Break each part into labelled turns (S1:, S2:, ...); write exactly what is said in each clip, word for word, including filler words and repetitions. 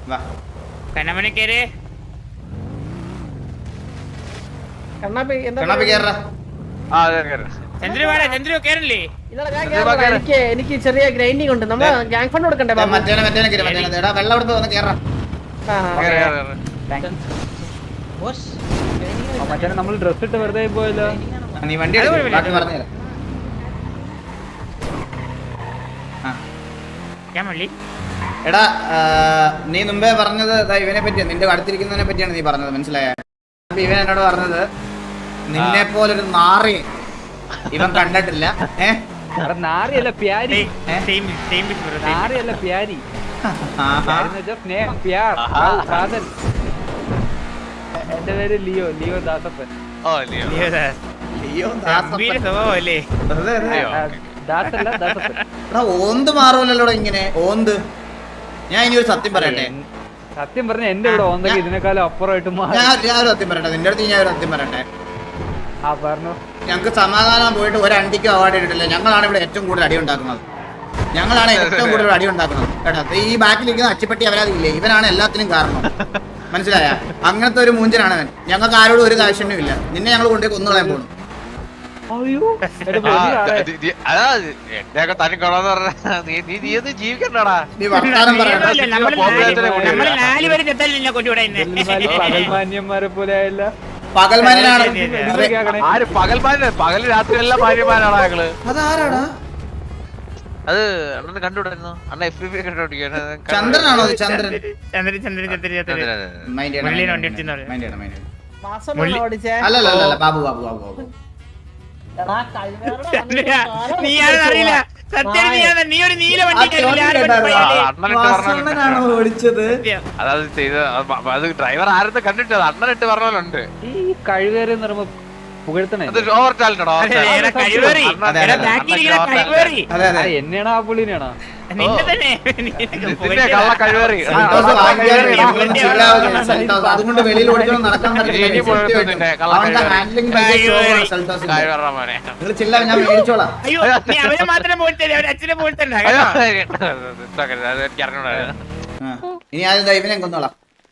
S1: വാ
S2: കണ്ണമണി കേറ്
S3: കണ്ണാപ്പി എന്താ
S1: കണ്ണാപ്പി കേറ
S2: ചന്ദ്രു വേടാ ചന്ദ്രു കേറില്ലേ
S3: എനിക്ക് എനിക്ക് ചെറിയ ഗ്രൈൻഡിങ് ഉണ്ട് നമ്മൾ ഗ്യാങ് ഫണ്ട് കൊടുക്കണ്ടേ ബാബു
S1: മറ്റേ മറ്റേ കേറ് മറ്റേ എടാ വെള്ളം എടുത്ത് വന്ന് കേറ
S4: മറ്റേ നമ്മൾ ഡ്രസ് ഇട്ട് വെറുതെ പോയല്ലോ.
S1: നീ വണ്ടി എടുക്ക്, ബാക്കി പറഞ്ഞു തരാം.
S2: ഞാൻ മള്ളി
S1: എടാ നീ മുമ്പേ പറഞ്ഞത് ഇവനെ പറ്റിയാണ്, നിന്റെ അടുത്തിരിക്കുന്നതിനെ പറ്റിയാണ് നീ പറഞ്ഞത്, മനസ്സിലായ? ഇവൻ എന്നോട് പറഞ്ഞത് നിന്നെ പോലൊരു നാറി ഇവൻ കണ്ടിട്ടില്ല. ഏഹ്
S4: നാറിയല്ല പ്യാരി, നാറിയല്ല പ്യാരി, സ്നേഹം. എന്റെ പേര് ലിയോ, ലിയോ ദാസപ്പൻ. ദാസല്ല ദാസപ്പൻ.
S1: എടാ ഓന്ത് മാറൂലല്ലോടാ ഇങ്ങനെ ഓന്ത്. ഞാൻ ഇനി ഒരു സത്യം പറയട്ടെ,
S4: സത്യം പറഞ്ഞ എന്റെ ഇവിടെ ഓന്തൊക്കെ ഇതിനേക്കാളും അപ്പുറമായിട്ട് മാറി.
S1: ഞാൻ ഒരു സത്യം പറയട്ടെ നിന്റെ അടുത്ത്, ഞാൻ ഒരു സത്യം പറയട്ടെ.
S4: ആ പറഞ്ഞു.
S1: ഞങ്ങൾക്ക് സമാധാനം പോയിട്ട് ഒരു അണ്ടിക്കും അവാർഡ് ഇട്ടിട്ടില്ല. ഞങ്ങളാണ് ഇവിടെ ഏറ്റവും കൂടുതൽ അടി ഉണ്ടാക്കുന്നത്, ഞങ്ങളാണ് ഏറ്റവും കൂടുതൽ അടി ഉണ്ടാക്കുന്നത് കേട്ടോ. ഈ ബാക്കിലിരിക്കുന്ന അച്ചിപ്പട്ടി അവരാതില്ലേ, ഇവനാണ് എല്ലാത്തിനും കാരണം, മനസ്സിലായ? അങ്ങനത്തെ ഒരു മൂഞ്ചനാണ് അവൻ. ഞങ്ങൾക്ക് ആരോടും ഒരു കാശ്യണ്യം ഇല്ല. നിന്നെ ഞങ്ങൾ കൊണ്ടേ കൊന്നുകളയാൻ പോകണം.
S5: ജീവിക്കണ്ടാടാ,
S1: നീ വർത്താനം പറയണ്ട.
S4: പകൽമാന്യന്മാരെ പോലെ ആയല്ല.
S1: പകൽമാനാണ്
S5: ആര് പകൽമാന? പകല് രാത്രി എല്ലാം മാന്യന്മാരാണ് ഞങ്ങള്.
S1: അതാരാടാ?
S5: അത് അണ്ണന് കണ്ടുവിടായിരുന്നു. അണ്ണ എഫ് ബി കണ്ടോണ്ടിരിക്കുകയാണ്.
S1: ചന്ദ്രനാണോ? ചന്ദ്രൻ
S2: ചന്ദ്രൻ ചന്ദ്രൻ ചന്ദ്രൻ
S1: അല്ലല്ല ബാബു ബാബു ബാബു ബാബു
S2: നീയാണെന്നറിയില്ല. സത്യം നീയാണ്. നീ ഒരു നീല വണ്ടി
S1: അണ്ണനാണോ ഓടിച്ചത്?
S5: അതായത് ചെയ്ത് അത് ഡ്രൈവർ ആരെന്ന് കണ്ടിട്ടത് അണ്ണനിട്ട് പറഞ്ഞോലുണ്ട്.
S4: ഈ കഴിവേറി നിർമ്മ പുകഴ്ത്തണേ.
S5: അത് ഓവർ ടാലന്റഡോ?
S4: എന്നെയാണോ ആ പുള്ളിനെയാണോ?
S5: കള്ള കഴിവേറി.
S1: അതുകൊണ്ട് വെളിയിൽ ഓടിക്കണം, നടക്കാൻ ചില്ല. ഞാൻ മേടിച്ചോളാം.
S2: മാത്രം പോയിട്ട് അച്ഛനെ പോയിട്ട്
S1: ഇനി ആദ്യം ഇവനെ കൊന്നോളാം.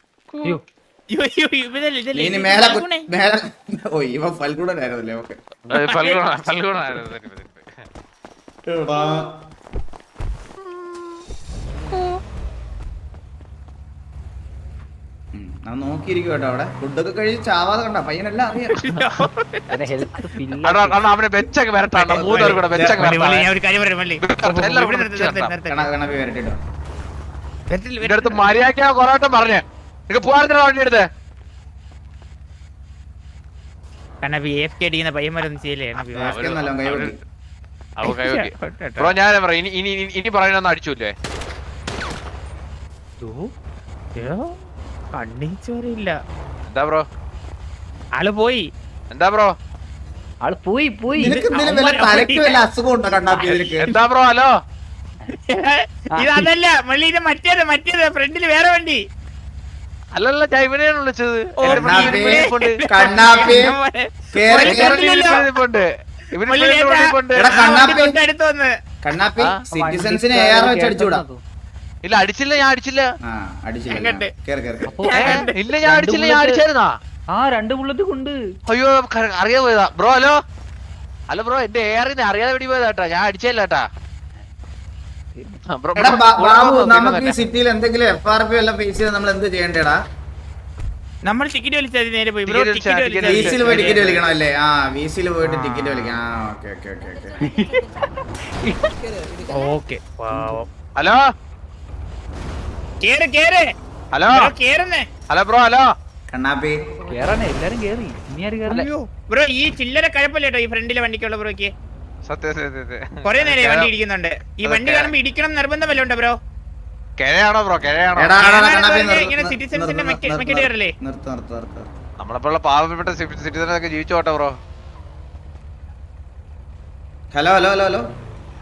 S1: ഇനി മേലെ മേലെ ഓ ഇവ ഫൽഗുണനായിരുന്നല്ലേ? ഓക്കെ ഞാൻ നോക്കിയിരിക്കും കേട്ടോ. അവിടെ ഫുഡൊക്കെ കഴിച്ച് ചാവാതെ കണ്ട പയ്യനെല്ലാം അറിയാം.
S5: അവനെ വെച്ചൊക്കെ വരട്ടാ, മൂന്നോർ കൂടെ വെച്ചൊക്കെ അടുത്ത് മര്യാദ കൊറോട്ടം പറഞ്ഞേ നിനക്ക് പോകാൻ വണ്ടി എടുത്തേ.
S2: പയ്യന്മാരൊന്നും ചെയ്യില്ലേ?
S5: ബ്രോ ഞാൻ പറയാം, ഇനി ഇനി പറയുന്ന അടിച്ചൂല്ലേ?
S2: കണ്ണിച്ചോറില്ല.
S5: എന്താ ബ്രോ?
S2: ആള് പോയി.
S5: എന്താ ബ്രോ?
S4: ആള് പോയി പോയി.
S1: അസുഖം ഉണ്ടോ കണ്ണാപ്പി?
S5: എന്താ ബ്രോ? ഹലോ,
S2: ഇതല്ല മള്ളി, ഇത് മറ്റേത് മറ്റേത് ഫ്രണ്ടില് വേറെ വണ്ടി.
S5: അല്ലല്ല ഞാൻ ഇവനെയാണ് വിളിച്ചത്.
S1: സിറ്റിസൺസിനെ അടിച്ചുകൂടാ?
S5: ഇല്ല അടിച്ചില്ല, ഞാൻ അടിച്ചില്ല. ഇല്ല ഞാൻ അടിച്ചില്ല, ഞാൻ അടിച്ചായിരുന്നാ?
S4: ആ രണ്ട് ബുള്ളറ്റ് കൊണ്ട്.
S5: അയ്യോ അറിയാൻ പോയതാ ബ്രോ. ഹലോ ഹലോ ബ്രോ, എന്റെ എയറിന് അറിയാതെ വെടി പോയതാട്ടാ, ഞാൻ അടിച്ചല്ല കേട്ടാ.
S1: നമുക്ക് ഈ സിറ്റിയിൽ എന്തെങ്കിലും എഫ് ആർ പി എല്ലാം ഫേസ് ചെയ്ത് നമ്മൾ എന്ത് ചെയ്യണ്ടേടാ?
S2: നമ്മൾ ടിക്കറ്റ് വലിച്ചാൽ നേരെ പോയി
S1: വീസിൽ പോയി ടിക്കറ്റ് വലിക്കണം അല്ലേ? ആ വീസിൽ പോയിട്ട് ടിക്കറ്റ് വലിക്കണം. ആ okay okay okay
S2: okay.
S5: Hello
S2: കേറ് കേറ്.
S5: ഹലോ
S2: കേറുന്നേ.
S5: Hello bro. ഹലോ
S1: കണ്ണാപ്പി
S4: കേറാനേ എല്ലാരും കേറി. ഇനി ആര് കേറില്ല
S2: ബ്രോ. ഈ ചില്ലറ കഴപ്പല്ലേട്ടോ ഈ ഫ്രണ്ടിലെ വണ്ടിക്കുള്ള ബ്രോക്ക്.
S5: സത്യം സത്യം
S2: കൊറേ നേരം വണ്ടി ഇടിക്കുന്നുണ്ട്. ഈ വണ്ടി കാണുമ്പോ ഇടിക്കണം നിർബന്ധമല്ലോ ഉണ്ടോ ബ്രോ?
S5: കിഴയാണോ ബ്രോ? കിഴയാണോ?
S2: സിറ്റിസൺസിന്റെ മെക്കേഡ് കയറല്ലേ?
S5: നമ്മളെപ്പോലുള്ള പാവപ്പെട്ട സിറ്റിസണൊക്കെ ജീവിച്ചോട്ടെ bro.
S1: Hello hello hello hello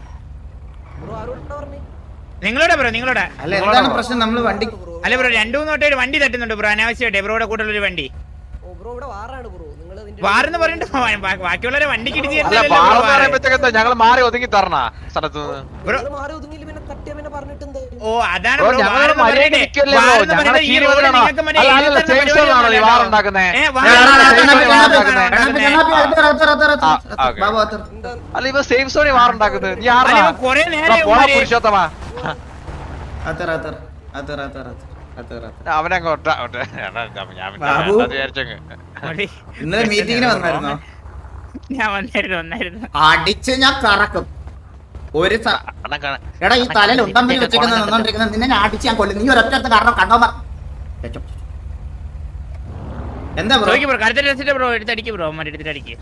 S2: നിങ്ങളോടാ ബ്രോ, നിങ്ങളോടാ.
S1: അല്ല എന്താണ് പ്രശ്നം? നമ്മള് വണ്ടി
S2: അല്ല ബ്രോ, രണ്ടു മൂന്ന് തൊട്ടേ വണ്ടി തട്ടുന്നുണ്ട് ബ്രോ അനാവശ്യമായിട്ട്. ബ്രോയുടെ കൂട്ടുള്ള ഒരു വണ്ടി വാറെന്ന് പറഞ്ഞിട്ട് ബാക്കിയുള്ളവരെ വണ്ടിക്ക് ഇടിച്ച്
S5: ഞങ്ങൾ മാറി ഒതുങ്ങി തരണ സ്ഥലത്ത് നിന്ന്.
S2: ഓ അതാണ്
S5: ബ്രോ
S2: bro,
S5: ഞങ്ങൾ
S2: വാറെന്ന്
S5: മര്യാദ
S2: പറയുന്നത്.
S5: നിൽക്കല്ലേ ബ്രോ
S2: വാറെന്ന്
S5: ഞങ്ങളെ
S2: പറയുന്നത് ഈ
S5: കീഴിൽ
S2: റോഡിൽ
S5: വന്നതാണോ?
S2: നിങ്ങൾക്ക് മറ്റേ
S5: അല്ല
S2: എഴുതി
S5: അല്ലല്ല
S2: തരുന്ന
S5: സേഫ് സോൺ ആണോ ഈ
S2: പരിപാടിയൊന്നും
S5: വാർ
S2: അല്ലല്ലോ.
S5: ഉണ്ടാക്കുന്നേ
S2: ഏ,
S1: എടാ,
S2: വാറെന്ന്
S1: എടാ,
S2: പറയുന്നത്
S1: കണ്ണാപ്പി,
S2: ഈ
S1: കണ്ണാപ്പി,
S2: റോഡിൽ
S1: കണ്ണാപ്പി,
S2: ഉണ്ടാക്കുന്നേ.
S1: കണ്ണാപ്പി, അകത്ത് വരൂ, അകത്ത് വരൂ, അകത്ത്
S5: ആ,
S1: വരൂ.
S5: ഓക്കേ.
S1: ബാബു, അകത്ത് വരൂ.
S5: അല്ല ഇവ സേഫ് സോണി വാർ ഉണ്ടാക്കുന്നത് നീ
S2: അല്ല,
S5: ആരാ
S2: ഇവൻ കുറേ നേരം
S5: പോടാ
S2: ഇവന്മാര്
S5: പുരുഷോത്തമാ
S1: അകത്ത് വരൂ, അകത്ത് വരൂ, അകത്ത് വരൂ, അകത്ത് വരൂ, അകത്ത് വരൂ, അകത്ത് വരൂ.
S5: അവനെ അങ്ങോട്ട് അങ്ങോട്ട് ഞാൻ പിന്നെ
S1: ബാബു.
S5: അത് വിചാരിച്ചങ്ങ്
S2: മതി.
S1: ഇന്നലെ മീറ്റിങ്ങിന് വന്നായിരുന്നോ?
S2: ഞാൻ വന്നായിരുന്നു വന്നായിരുന്നു
S1: അടിച്ച് ഞാൻ കറക്കും ഒരു സ-
S5: അണ്ണൻ കാണാൻ
S1: എടാ ഈ തലയിൽ ഉണ്ടമ്പലി വെച്ചേക്കുന്ന നിന്നോണ്ടിരിക്കുന്ന നിന്നെ ഞാൻ അടിച്ച് ഞാൻ കൊല്ലും. നീ ഒരൊറ്റ കാരണം കണ്ടോ മ- വെച്ചോ. എന്താ ബ്രോ?
S2: ചോദിക്കും ബ്രോ കരുത്തൽ രസിന്റെ ബ്രോ എടുത്തടിക്ക് ബ്രോ അമ്മ എടുത്തിട്ടടിക്ക്.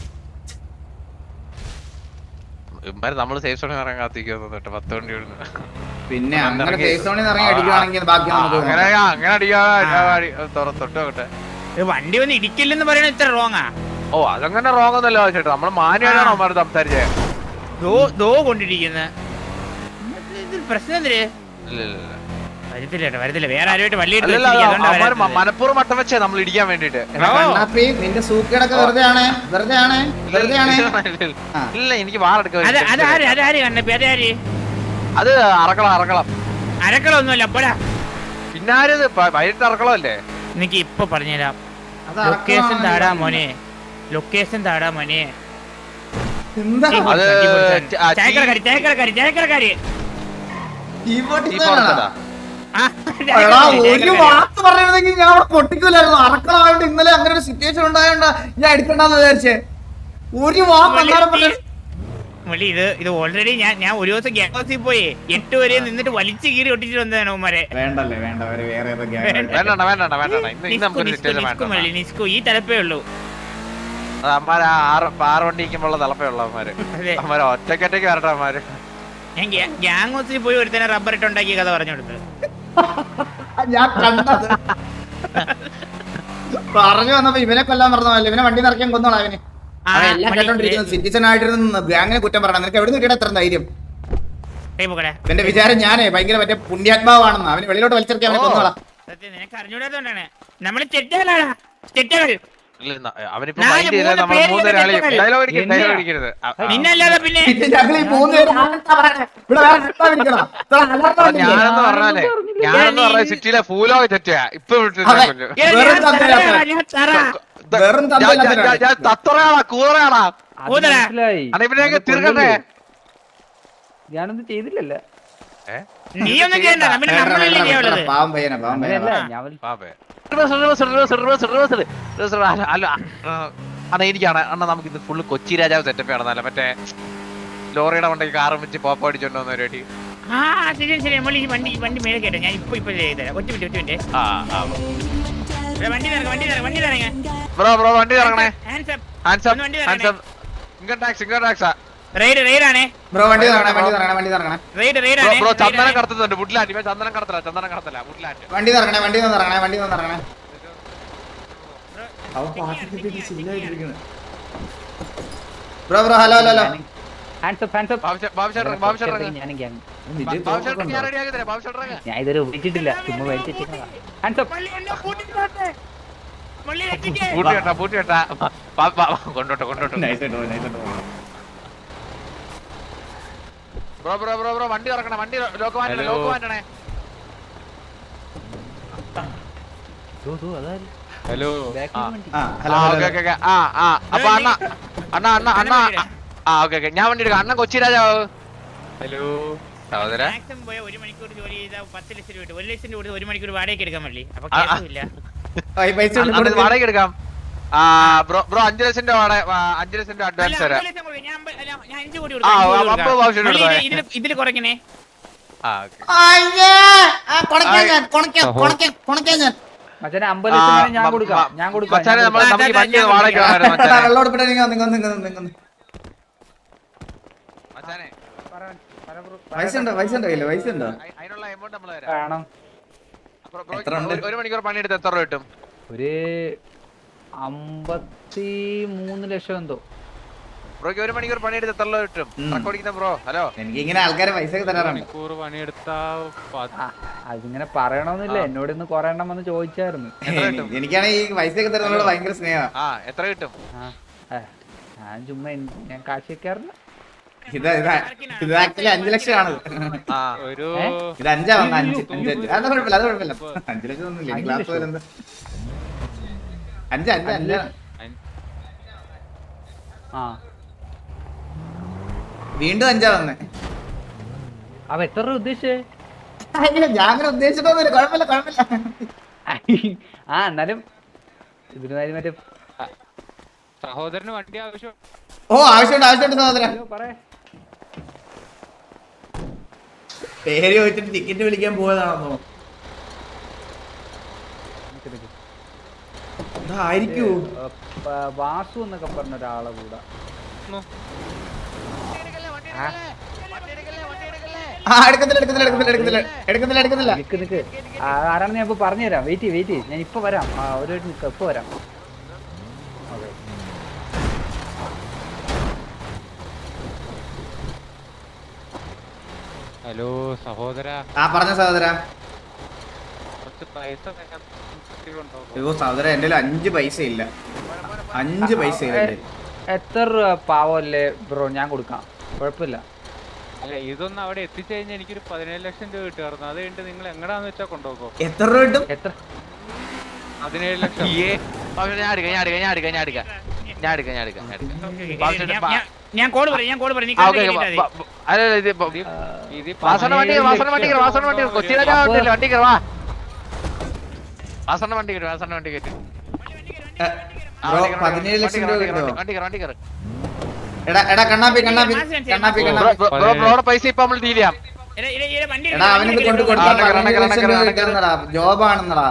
S5: ഇമ്മാര് നമ്മള് സേഫ് സോണി ഇറങ്ങാൻ കാത്തിരിക്കുന്നു കേട്ടോ പത്ത് വണ്ടി വിടുന്നു
S1: പിന്നെ അങ്ങനെ സേഫ് സോണിൽ നിന്ന് ഇറങ്ങി അടിക്കുവാണെങ്കിൽ ബാക്കി നമുക്ക്
S5: അങ്ങനെ
S1: നോക്കാം.
S5: അങ്ങനെ അടിക്കാ തൊട്ട് നോക്കട്ടെ
S2: ഇത് വണ്ടി വന്ന് ഇടിക്കില്ലെന്ന് പറയണ ഇത്ര റോങ്ങാ.
S5: ഓ അതങ്ങനെ റോങ് ഒന്നല്ലോ ചേട്ടാ നമ്മള് മാനുവായിട്ടാണ് അവന്മാർ സംസാരിച്ചേ
S2: ദോ ദോ കൊണ്ടിരിക്കുന്ന പ്രശ്നം എന്തിര്
S5: ഇല്ല ഇല്ല ഇല്ല
S2: വരത്തില്ല കേട്ടോ, വരത്തില്ല വേറെ ആരുമായിട്ട് വള്ളി എടുത്ത്
S5: അല്ലല്ല,
S2: വെച്ചിരിക്കുക, അതുകൊണ്ടാ
S5: അവന്മാര്
S2: വരാത്തത്.
S5: മനപ്പൂർവ്വം മട്ടം വെച്ചേ നമ്മൾ ഇടിക്കാൻ വേണ്ടിട്ട്
S1: എടാ കണ്ണാപ്പി, നിന്റെ സൂക്കേടൊക്കെ വെറുതെ ആണ് വെറുതെ ആണ് വെറുതെ ആണ് ആ.
S5: ഇല്ല എനിക്ക് വാറെടുക്കാൻ
S2: അത് അത് ആര് അത് ആര് കണ്ണപ്പി അത് ആര്
S5: അത് അറക്കളം അറക്കളം
S2: അരക്കളൊന്നുമല്ല അപ്പോഴാ
S5: പിന്നാരത് വൈകിട്ട് അറക്കളം അല്ലേ
S2: എനിക്ക് ഇപ്പൊ പറഞ്ഞുതരാം.
S1: അത്
S2: ലൊക്കേഷൻ
S1: അറക്കമാണ്
S2: താടാ
S1: ഇത്.
S2: മോനെ, ലൊക്കേഷൻ താടാ മോനെ.
S1: എന്താ
S5: അത് ആ,
S2: ചായക്കടക്കാരി ചായക്കടക്കാരി ചായക്കടക്കാരി
S1: കീബോർഡ്
S5: ഈ
S1: ഇതാണോ?
S5: പുറത്തതാ
S2: ആ,
S1: എടാ ഒരു
S2: ചായക്കടക്കാരി.
S1: വാക്ക് പറഞ്ഞിരുന്നെങ്കിൽ ഞാൻ അവിടെ പൊട്ടിക്കൂലായിരുന്നു. അറക്കളമായോണ്ട് ഇന്നലെ അങ്ങനെ ഒരു സിറ്റുവേഷൻ ഉണ്ടായോണ്ട് ഞാൻ എടുക്കണ്ടെന്ന് വിചാരിച്ചേ. ഒരു വാക്ക് അന്നേരം പറഞ്ഞു.
S2: മുള്ളി ഇത് ഇത് ഓൾറെഡി ഞാൻ ഞാൻ ഒരു ദിവസം ഗ്യാങ് ഹൗസിൽ പോയി എട്ട് വരെ നിന്നിട്ട് വലിച്ചു കീറി ഒട്ടിച്ചു വന്നതാണ് ഉമ്മാരെ.
S1: വേണ്ടല്ലേ വേണ്ട അവര് വേറെ ഏതോ gang ആയിട്ട്.
S5: വേണ്ടണ്ട വേണ്ടണ്ട വേണ്ടണ്ട ഇന്ന് ഇന്ന്
S2: നിസ്കു
S5: നമുക്കൊരു
S2: നിസ്കു
S5: സിറ്റുവേഷൻ
S2: നിസ്കു
S5: വേണ്ട
S2: മുള്ളി നിസ്കു ഈ തലപ്പേ ഉള്ളൂ.
S5: അമ്മാര് ആറ് ആറ് വണ്ടി ഇരിക്കുമ്പോൾ തലപ്പയുള്ള അമ്മാര്
S2: അതെ
S5: അമ്മാര് ഒറ്റക്കൊറ്റയ്ക്ക് വരട്ടെ അമ്മാര്
S2: ഞാൻ ഗ്യാങ് ഹൗസിൽ പോയി ഒരുത്തനെ റബ്ബർ ഇട്ടുണ്ടാക്കിയ കഥ പറഞ്ഞു കൊടുത്തത്.
S1: ഞാൻ കണ്ടത് പറഞ്ഞു വന്നപ്പോ ഇവനെ കൊല്ലാൻ പറഞ്ഞതല്ലേ. ഇവനെ വണ്ടി നിറയ്ക്കാൻ കൊന്നോളാം അവന്.
S2: ആ,
S1: അവൻ എല്ലാം
S2: മള്ളി,
S1: കേട്ടോണ്ടിരിക്കുന്നത് സിറ്റിസൺ ആയിട്ടിരുന്ന് ഗ്യാങ്ങിനെ കുറ്റം പറയണം. നിനക്ക് എവിടെ കിട്ടിയ എത്ര ധൈര്യം?
S2: കൈ പോക്കടെ.
S1: എന്റെ വിചാരം ഞാനേ ഭയങ്കര മറ്റേ പുണ്യാത്മാവാണെന്ന്. അവന് വെളിയിലോട്ട് വലിച്ചെടുക്കി അവനെ
S5: ഓ.
S1: കൊന്നോളാം.
S2: സത്യം നിനക്ക് അറിഞ്ഞൂടാത്തോണ്ടാണ് നമ്മള് ചെറ്റകളാണ് ചെറ്റകൾ.
S5: ഇല്ല, ന- അവനിപ്പോ
S2: നാല്
S5: മൈൻഡ് ചെയ്താൽ
S2: മൂന്ന്
S5: നമ്മൾ
S2: പേര്
S5: മൂന്ന് ഒരാളെയും
S2: ഇവരെ
S5: ഡയലോഗ് അടിക്കരുത്
S4: എന്നെയാ?
S5: ഡയലോഗ് അടിക്കരുത് ആ, ആ.
S2: നിന്നല്ലാതെ പിന്നെ
S1: പിന്നെ ഞങ്ങൾ ഈ മൂന്ന് പേര് ആരെന്താ പറയണേ? ഇവിടെ വേറെ ആരെന്താ വിളിക്കണോ? ഇത്ര alarm
S5: അപ്പൊ
S1: വന്നില്ലേ?
S5: ഞാനെന്ന് പറഞ്ഞാലേ ഞാനെന്ന് പറഞ്ഞ സിറ്റിയിലെ ഫൂലോഗ് തെറ്റാ ഇപ്പൊ വിളിച്ചു
S1: അതെ.
S2: ഏ,
S1: വെറും
S2: ഞാൻ
S1: തന്തയില്ലാത്ത.
S2: തറയാ, ഞാൻ തറ.
S1: വെറും തന്തയില്ലാത്തവരാണ്.
S5: ഞാൻ തത്തറയാണാ കൂറയാണാ
S4: അത്
S2: ഊതരാ.
S4: മനസ്സിലായി.
S5: അണ്ണാ ഇവനെയൊക്കെ
S4: അത്
S5: തീർക്കട്ടെ
S4: കൊല്ലല്ലേ? ഞാനൊന്നും ചെയ്തില്ലല്ലോ.
S5: ഏഹ്
S2: നീ ഒന്നും ചെയ്യണ്ട പിന്നെ
S1: വേണ്ട,
S2: നമ്മളല്ലേ
S1: വേണ്ട,
S2: ചെയ്യാനുള്ളത്.
S1: വേണ്ട, പാവം പയ്യനാ പാവം
S4: അങ്ങനെയല്ല
S1: പയ്യനാ.
S4: ഞാൻ വലി-
S5: പാപ്പേ അല്ല അണ്ണാ എനിക്കാണ് അണ്ണാ നമുക്ക് ഇത് ഫുള്ള് കൊച്ചി രാജാവ് സെറ്റപ്പ് ആണെന്നല്ല മറ്റേ ലോറിയുടെ വണ്ടി കാറും വെച്ച് പോപ്പ അടിച്ചോണ്ട് വന്ന പരിപാടി
S2: ആ ശരി ശരി നമ്മൾ ഈ വണ്ടി ഈ വണ്ടി മേലെ കേട്ടോ ഞാൻ ഇപ്പൊ ഇപ്പൊ ചെയ്തുതരാം. ഒറ്റ മിനിറ്റ് ഒറ്റ മിനിറ്റ്
S5: ആ ആ
S2: ഇവിടെ വണ്ടി നിറങ്ങ വണ്ടി നിറങ്ങ വണ്ടി നിറങ്ങ
S5: ബ്രോ ബ്രോ വണ്ടി ഇറങ്ങണേ
S2: ഹാൻഡ്സ് അപ്പ്
S5: ഹാൻഡ്സ്
S2: ഒന്ന് വണ്ടി
S5: അപ്പ്
S2: ഇറങ്ങണേ.
S5: Hands up income tax income ടാക്സാ
S2: റൈഡ് റൈഡ് ആണേ
S1: ബ്രോ വണ്ടി തറങ്ങണേ വണ്ടി തറങ്ങണേ വണ്ടി തറങ്ങണേ
S2: റൈഡ് റൈഡ്
S5: ബ്രോ
S2: ആണേ
S5: ബ്രോ ചന്ദനം കടത്തുന്നുണ്ട് വുഡ്ലാൻഡ് ഇവൻ ചന്ദനം കടത്തല ചന്ദനം കടത്തല വുഡ്ലാൻഡ്
S1: വണ്ടി തറങ്ങണേ വണ്ടി തറങ്ങണേ വണ്ടി തറങ്ങണേ. അവൻ പാട്ട് കിട്ടിയിട്ട് ചില്ലായിട്ടിരിക്കുന്നു. Bro bro hello hello hello.
S4: Hands up, hands up.
S5: ബാബുശേട്ടൻ ബാബുശേട്ടൻ
S4: ഞാനും gang.
S5: ബാബുശേട്ടൻ ഞാൻ റെഡി ആക്കി തരാം ബാബുശേട്ടൻ
S4: ഞാൻ ഇതുവരെ ഉപയോഗിച്ചിട്ടില്ല ചുമ്മാ വലിച്ചിട്ടില്ല. Hands up.
S2: മള്ളി എന്നെ കൂട്ടിട്ട് പോട്ടെ. മള്ളി രക്ഷിക്കേ.
S5: പൂട്ടി കേട്ടാ പൂട്ടി കേട്ടാ കൊണ്ടോട്ടെ കൊണ്ടോട്ടെ
S1: നൈസ് ആയിട്ട് പോ, നൈസ് ആയിട്ട് പോ.
S5: ബ്രോ ബ്രോ ബ്രോ ബ്രോ വണ്ടി ഇറക്കണേ വണ്ടി ലോക്ക് മാറ്റണേ ലോക്ക് മാറ്റണേ
S4: ദോ, ദോ, അതാര്?
S5: ഹലോ
S4: Back
S5: ആ
S4: ല് വണ്ടി.
S1: ആ
S5: ആ
S1: hello
S5: okay
S1: hello.
S5: Okay okay ആ ആ അപ്പൊ അണ്ണ അണ്ണ അണ്ണ അണ്ണ ആ ഓക്കെ ഓക്കെ ഞാൻ വണ്ടി എടുക്കാം അണ്ണൻ കൊച്ചി രാജാവ് ഹലോ സഹോദര
S2: മാക്സിമം പോയ ഒരു മണിക്കൂർ ജോലി ചെയ്താൽ പത്ത് ലക്ഷം രൂപ കിട്ടും. ഒരു ലക്ഷം രൂപ കൊടുത്ത് ഒരു മണിക്കൂർ വാടകയ്ക്ക് എടുക്കാൻ മള്ളി അപ്പൊ
S5: ആ, ആ.
S2: കേസുമില്ല.
S1: ആ, ഈ പൈസ കൊണ്ട്
S5: അണ്ണൻ
S1: കൊടുക്ക്.
S5: വാടക എടുക്കാം ആ ബ്രോ ബ്രോ അഞ്ചു ലക്ഷം രൂപ വാടക ആ, അഞ്ചു ലക്ഷം രൂപ
S2: അല്ല,
S5: അഡ്വാൻസ് തരാം
S2: ഒരു ലക്ഷം കൊടുക്ക്. ഞാൻ അമ്പ- അല്ല, ഞാൻ അഞ്ച് കോടി
S5: ആ,
S2: കൊടുക്കാം, അഞ്ച് കോടി
S5: അപ്പൊ
S2: കൊടുക്കാം.
S5: ആവശ്യം
S2: മള്ളി,
S5: എടുത്തോ.
S2: ഇതില് ഇതില് കുറയ്ക്കണേ.
S5: ആ ഓക്കെ
S1: അയ്യേ. ആ, കൊണക്കാൻ ഞാൻ, കൊണക്കാൻ, കൊണക്കാൻ, കൊണക്കാൻ ഞാൻ.
S4: മച്ചാനെ അമ്പത് ലക്ഷം വേണേ ഞാൻ കൊടുക്കാം ഞാൻ കൊടുക്കാം
S5: മച്ചാനെ
S4: ഞാൻ
S5: നമ്മൾ
S4: കൊടുക്കാം.
S5: നമുക്ക് ഈ വണ്ടി ഒന്ന് വാടക വേണമായിരുന്നു
S1: എടാ,
S5: മച്ചാനെ
S1: വെള്ളം എടുപ്പിട്ട് നിങ്ങൾ നിങ്ങൾ നിങ്ങൾ നിങ്ങൾ
S5: മച്ചാനെ
S4: പറ- പറ ബ്രോ.
S1: പൈസ ഉണ്ടോ പൈസ ഉണ്ടോ കയ്യില് പൈസ ഉണ്ടോ?
S5: അയ്- അതിനുള്ള എമൗണ്ട് നമ്മൾ തരാം
S4: വേണം
S5: അപ്പൊ ബ്രോ
S1: എത്ര ഉണ്ട്?
S5: ഒരു- ഒരു മണിക്കൂർ പണിയെടുത്ത് എത്ര രൂപ കിട്ടും
S4: ഒരു അമ്പത്തി മൂന്ന് ലക്ഷം എന്തോ.
S5: ബ്രോക്ക് ഒരു മണിക്കൂർ പണിയെടുത്ത് എത്ര രൂപ കിട്ടും
S1: ഉം.
S5: ട്രക്ക് ഓടിക്കുന്ന ബ്രോ ഹലോ
S1: എനിക്ക് ഇങ്ങനെ ആൾക്കാരെ പൈസ ഒക്കെ തരാറുണ്ട്.
S4: ആ, അതിങ്ങനെ പറയണമെന്നില്ല എന്നോട് ഇന്ന് കൊറേ എണ്ണം വന്ന് ചോദിച്ചായിരുന്നു.
S5: എത്ര കിട്ടും?
S1: എനിക്കാണെങ്കിൽ ഈ പൈസ ഒക്കെ തരുന്നതോട് ഭയങ്കര സ്നേഹമാണ്.
S5: ആ എത്ര കിട്ടും
S4: ആ, ഏ, ഞാൻ ചുമ്മാ എൻ- ഞാൻ കാശ് വെക്കാറില്ല.
S1: ഇത് ഇത് ഇത് ആക്ച്വലി അഞ്ചു ലക്ഷമാണ്
S5: ആ
S6: ഒരു
S1: ഇത് അഞ്ചാ വന്ന അഞ്ച് അഞ്ച് അഞ്ച് അത് കുഴപ്പമില്ല അത് കുഴപ്പമില്ല അഞ്ചു ലക്ഷം ഒന്നുമില്ല എനിക്ക് ക്ലാസ് വരുന്നത് അഞ്ച് അഞ്ച് അഞ്ച്
S4: ആ
S1: വീണ്ടും അഞ്ചാ വന്നേ
S4: അപ്പൊ എത്ര രൂപ ഉദ്ദേശിച്ചേ
S1: ഞാൻ അങ്ങനെ ഉദ്ദേശിച്ചിട്ടൊന്നുമില്ല കുഴപ്പമില്ല കുഴപ്പമില്ല
S4: ആ എന്നാലും ഇതിന് കാര്യം മറ്റേ
S6: സഹോദരന് വണ്ടി ആവശ്യം.
S1: ഓ ആവശ്യമുണ്ട് ആവശ്യമുണ്ട് സഹോദര
S4: അയ്യോ, പറയ്.
S1: പേര് ചോദിച്ചിട്ട് ടിക്കറ്റ് വിളിക്കാൻ പോയതാണെന്നോ
S4: നിക്ക് നിക്ക്.
S1: ആയിരിക്കൂ
S4: ഏ, പ- വാസു എന്നൊക്കെ പറഞ്ഞ ഒരാളെ കൂടെ
S1: ആ എടുക്കത്തില്ല എടുക്കത്തില്ല എടുക്കത്തില്ല എടുക്കത്തില്ല എടുക്കത്തില്ല എടുക്കത്തില്ല
S4: നിക്ക് നിക്ക് ആ, ആരാണെന്ന് ഞാൻ ഇപ്പൊ പറഞ്ഞുതരാം വെയിറ്റ് ചെയ്യ് വെയിറ്റ് ചെയ്യ് ഞാൻ ഇപ്പൊ വരാം ആ ഒരു മിനിറ്റ് നിക്ക് ഇപ്പൊ വരാം ഓക്കെ
S6: ഹലോ സഹോദര,
S1: ആ പറഞ്ഞ സഹോദര
S6: കുറച്ച് പൈസ തരാൻ ഉണ്ടോ?
S1: അയ്യോ സഹോദര എന്റെ കയ്യിൽ അഞ്ച് പൈസ ഇല്ല അഞ്ച് പൈസ ഇല്ല എന്റെ കയ്യിൽ.
S4: എത്ര രൂപ പാവല്ലേ ബ്രോ ഞാൻ കൊടുക്കാം കുഴപ്പമില്ല
S6: അല്ല ഇതൊന്നും അവിടെ എത്തിച്ചുകഴിഞ്ഞാൽ എനിക്കൊരു പതിനേഴ് ലക്ഷം രൂപ കിട്ടുമായിരുന്നു. അത് കഴിഞ്ഞിട്ട് നിങ്ങൾ എങ്ങടാന്ന് വെച്ചാൽ കൊണ്ടുപോകോ?
S1: എത്ര രൂപ കിട്ടും
S4: എത്ര
S6: പതിനേഴ് ലക്ഷം.
S5: ഏ പക്ഷെ ഞാൻ എടുക്കാം ഞാൻ എടുക്കാം ഞാൻ എടുക്കാം ഞാൻ എടുക്കാം ഞാൻ എടുക്കാം ഞാൻ എടുക്കാം ഞാൻ എടുക്കാം
S2: ഞാൻ- ഞാൻ കോഡ് പറയാം ഞാൻ കോഡ് പറയാം നീ
S5: ആ, ഓക്കേ,
S2: കണ്ടിട്ട്
S5: ഓക്കേ,
S2: കേട്ടാ
S5: ബ- ബ- അല്ല, ഇത് ബ-
S6: ഇത്
S5: വാസണ്ണ വണ്ടി കയറ്, വാസണ്ണ വണ്ടി കയറ്, വാസണ്ണ വണ്ടി കയറ്. കൊച്ചി രാജാവ് ഉണ്ടല്ലോ, വണ്ടി കയറ്, വാ. വാസണ്ണ വണ്ടി കയറ്, വാസണ്ണ വണ്ടി കയറ്റ്. ആ,
S1: ബ്രോ
S5: വണ്ടി കയറ്,
S1: പതിനേഴ് ലക്ഷം രൂപ
S5: വണ്ടി കയറ്,
S1: കിട്ടുമോ
S5: വണ്ടി കയറ്, വണ്ടി കയറ്.
S1: എടാ എടാ കണ്ണാപ്പി കണ്ണാപ്പി കണ്ണാപ്പി
S5: ബ്രോ,
S1: കണ്ണാപ്പി
S5: ബ്രോ, ബ്രോ, ബ്രോയുടെ പൈസ ഇപ്പൊ നമ്മൾ ഡീൽ ചെയ്യാം.
S2: എടാ, എടാ, എടാ, വണ്ടി
S1: എടാ അവനിത് കൊണ്ട്
S2: എടുക്ക്,
S1: കൊടുത്താൽ
S5: ആ, കയറ്,
S1: പതിനേഴ്
S5: കയറ്,
S1: ലക്ഷം രൂപ
S5: കയറ്,
S1: കിട്ടുന്നടാ ജോബാണെന്നടാ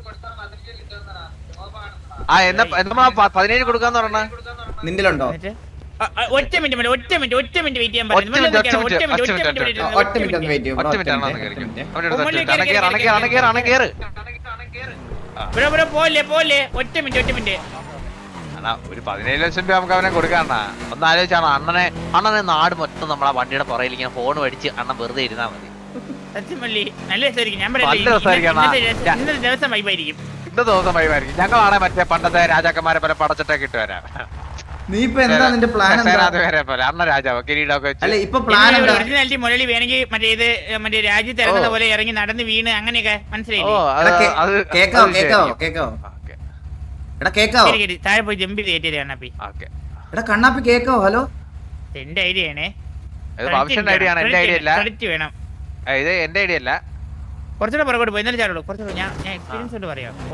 S5: ആ എന്നാ എന്നാ പതിനേഴ് കൊടുക്കാന്ന് പറഞ്ഞ
S1: നിന്റിലുണ്ടോ
S2: എന്നിട്ട്? ആ, ആ, ഒറ്റ മിനിറ്റ് മതി, ഒറ്റ മിനിറ്റ് ഒറ്റ മിനിറ്റ് വെയിറ്റ് ചെയ്യാൻ
S5: ഒറ്റ മിനിറ്റ്, ഒറ്റ മിനിറ്റ്,
S2: ഒറ്റ മിനിറ്റ്
S5: ഒറ്റ
S2: ഒറ്റ
S5: മിനിറ്റ്,
S2: മിനിറ്റ്
S1: ഒറ്റ മിനിറ്റ് ഒന്ന് വെയിറ്റ് ചെയ്യും
S5: ഒറ്റ മിനിറ്റ് ആണോ കയറ് അണ കയറ് അണ കയറ് അണ കയറ്
S2: ബ്രോ ബ്രോ പോലെ പോലെ ഒറ്റ മിനിറ്റ് ഒറ്റ മിനിറ്റ്
S5: അണ്ണാ ഒരു പതിനേഴ് ലക്ഷം രൂപ നമുക്ക് അവനെ കൊടുക്കാണ്ണ. ഒന്ന് ആലോചിച്ചാണ് അണ്ണനെ അണ്ണനെ നാട് മൊത്തം നമ്മളെ വണ്ടിയുടെ പുറയിൽ ഇങ്ങനെ ഫോൺ മേടിച്ച് അണ്ണൻ വെറുതെ ഇരുന്നാ മതി.
S2: സത്യമല്ലി നല്ല രസമായിരിക്കും ഞാൻ
S5: നല്ല
S2: പറയാം
S5: രസമായിരിക്കും, അണ്ണാ.
S2: ഇന്നത്തെ ഇന്നത്തെ ദിവസം വൈബായിരിക്കും
S5: ഇന്ന ദിവസം വൈമായിരിക്കും. ഞങ്ങളാണെ മറ്റേ പണ്ടത്തെ രാജാക്കന്മാരെ പോലെ പടച്ചിട്ടൊക്കെ ഇട്ട് വരാം.
S1: നീ ഇപ്പൊ എന്താ നിന്റെ പ്ലാൻ എന്താ
S5: സേനാധിപരെ പോലെ അണ്ണ രാജാവ് കിരീടമൊക്കെ
S1: അല്ല
S5: വെച്ച്
S1: ഇപ്പൊ പ്ലാൻ എന്താ
S2: ഒറിജിനാലിറ്റി മുരളി വേണമെങ്കിൽ മറ്റേ ഇത് മറ്റേ രാജ്യത്ത് ഇറങ്ങുന്ന പോലെ ഇറങ്ങി നടന്ന് വീണ് അങ്ങനെയൊക്കെ
S5: ഓ
S2: മനസ്സിലായില്ലേ
S5: അത്
S1: എടാ, കേ-
S5: അത്
S1: കേക്കാവോ
S5: അത്
S1: കേക്കാവോ
S5: ശരിയായിരിക്കും.
S1: കേക്കാവോ
S5: ഓക്കേ,
S1: എടാ കേക്കാവോ
S2: ശരി, ശരി. താഴെ പോയി ജമ്പ് ചെയ്തേറ്റേ കണ്ണാപ്പി
S5: ഓക്കേ.
S1: എടാ കണ്ണാപ്പി കേക്കാവോ ഹലോ
S2: എന്റെ ഐഡിയ ആണേ
S5: ഇത് ബാബുഷന്റെ ഐഡിയ ആണ്, എന്റെ ഐഡിയ അല്ല.
S2: ക്രെഡിറ്റ് വേണം
S5: ഏ, ഇത് എന്റെ ഐഡിയ അല്ല.
S2: കുറച്ചുകൂടെ പുറകോട്ട് പോയി എന്നാലും ചാടുള്ളൂ കുറച്ചുകൂടെ ഞാൻ ഞാൻ എക്സ്പീരിയൻസ് കൊണ്ട് പറയാം പോ, പോ,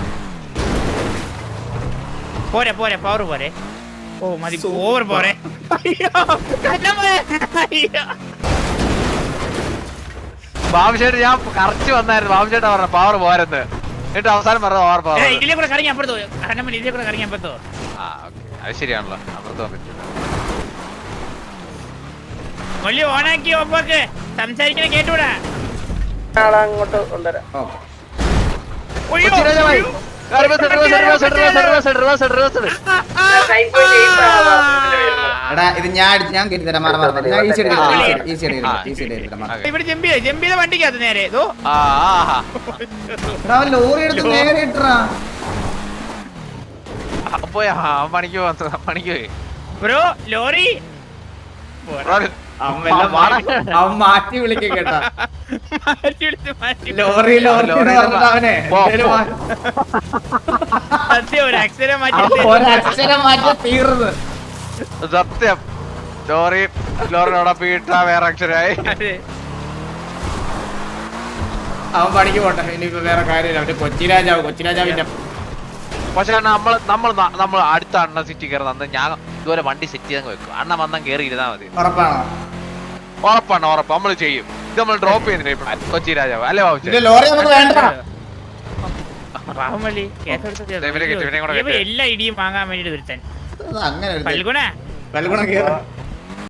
S2: പോ. പോരെ പോരെ പവർ പോരെ ഓ മതി ഓവർ പോരെ അയ്യോ, കണ്ണമ്മേ. അയ്യോ.
S5: ബാബുഷേട്ട് ഞാൻ കറച്ച് വന്നായിരുന്നു. ബാബുഷേട്ടാ പറഞ്ഞ പവർ പോരെന്ന്. എന്നിട്ട് അവസാനം പറഞ്ഞ ഓവർ പവർ.
S2: ഏയ്, ഇതിലെ കൂടെ കറങ്ങി അപ്പുറത്തോ കണ്ണമ്മ ഇതിലെ കൂടെ കറങ്ങി അപ്പുറത്തോ
S5: ആ ഓക്കെ, അത് ശരിയാണല്ലോ. അപ്പുറത്ത് പോകാൻ പറ്റില്ല.
S2: മൊല്ലി ഓണാക്കി ഒപ്പൊക്ക് സംസാരിക്കണ കേട്ടൂടാ
S3: അങ്ങോട്ട് കൊണ്ടുവരാം
S1: ഓക്കെ
S2: ഒയ്യോ,
S5: കൊച്ചി രാജാവായി.
S2: ഒയ്യോ.
S5: Reverse, reverse, reverse, reverse, reverse, reverse, reverse, reverse.
S1: എടാ ഇത് ഞാൻ അടിച്ച് ഞാൻ കയറ്റി തരാം മാറി മാറി ഞാൻ ഈ സൈഡ് ഈ സൈഡ് ഈ സൈഡ് എടുത്തിട്ട് മാറി
S5: ഓക്കേ.
S2: ഇവിടെ ജമ്പ് ചെയ്ത ജമ്പ് ചെയ്ത വണ്ടിക്കകത്ത് നേരെ ഇതോ
S5: ആ, ആഹാ.
S1: എടാ അവൻ ലോറി എടുത്ത് നേരെ ഇട്ടറാ
S5: ആ, പോയി ആ, പണിക്ക് പോവാ പണിക്ക് പോയി.
S2: ബ്രോ ലോറി
S1: അവൻ വല്ല മാറ്റി അവൻ മാറ്റി വിളിക്കും കേട്ടാ
S2: മാറ്റി എടുത്ത് മാറ്റി
S1: ലോറി ലോറി എന്ന് പറഞ്ഞിട്ട് അവനെ
S5: പോ,
S1: എന്തേലും
S5: പോ.
S1: മാ-
S2: സത്യം ഒരു അക്ഷരം മാറ്റി
S1: അവൻ
S2: എടുത്ത്
S1: ഒരക്ഷരം മാറ്റി തീർന്ന്
S5: സത്യം ലോറി ലോറിനോടൊപ്പം ഇട്ടാ വേറെ അക്ഷരായി.
S2: അതെ.
S1: അവൻ പണിക്ക് പോട്ടെ ഇനിയിപ്പോ വേറെ കാര്യമില്ല അവന്റെ കൊച്ചി രാജാവ് കൊച്ചി രാജാവിന്റെ
S5: പക്ഷെ നമ്മൾ നമ്മൾ നമ്മൾ അടുത്ത അണ്ണ സിറ്റി കയറുന്ന അന്ന് ഞാൻ ഇതുപോലെ വണ്ടി സെറ്റ് ചെയ്തങ്ങ് വെക്കും. അണ്ണ വന്നാൽ കയറി ഇരുന്നാ മതി.
S1: ഉറപ്പാണോ
S5: ഉറപ്പാണ് ഉറപ്പ് നമ്മൾ ചെയ്യും. ഇത് നമ്മൾ ഡ്രോപ്പ് ചെയ്യുന്നില്ല ഇപ്പൊ കൊച്ചി രാജാവ് അല്ലേ ബാബു?
S1: ഇതിന്റെ ലോറി നമുക്ക് വേണ്ട
S2: പാവമല്ലി കേസ് കൊടുത്ത
S5: ദേ ഇവരെ കെട്ടി, ഇവരെയും കൂടെ
S2: ഇവ
S5: കെട്ടി.
S2: എല്ലാ ഇടിയും വാങ്ങാൻ വേണ്ടിട്ട് ഒരുത്തൻ
S1: അങ്ങനെ ഒരു
S2: പൽഗുണ
S1: പൽഗുണം കേറ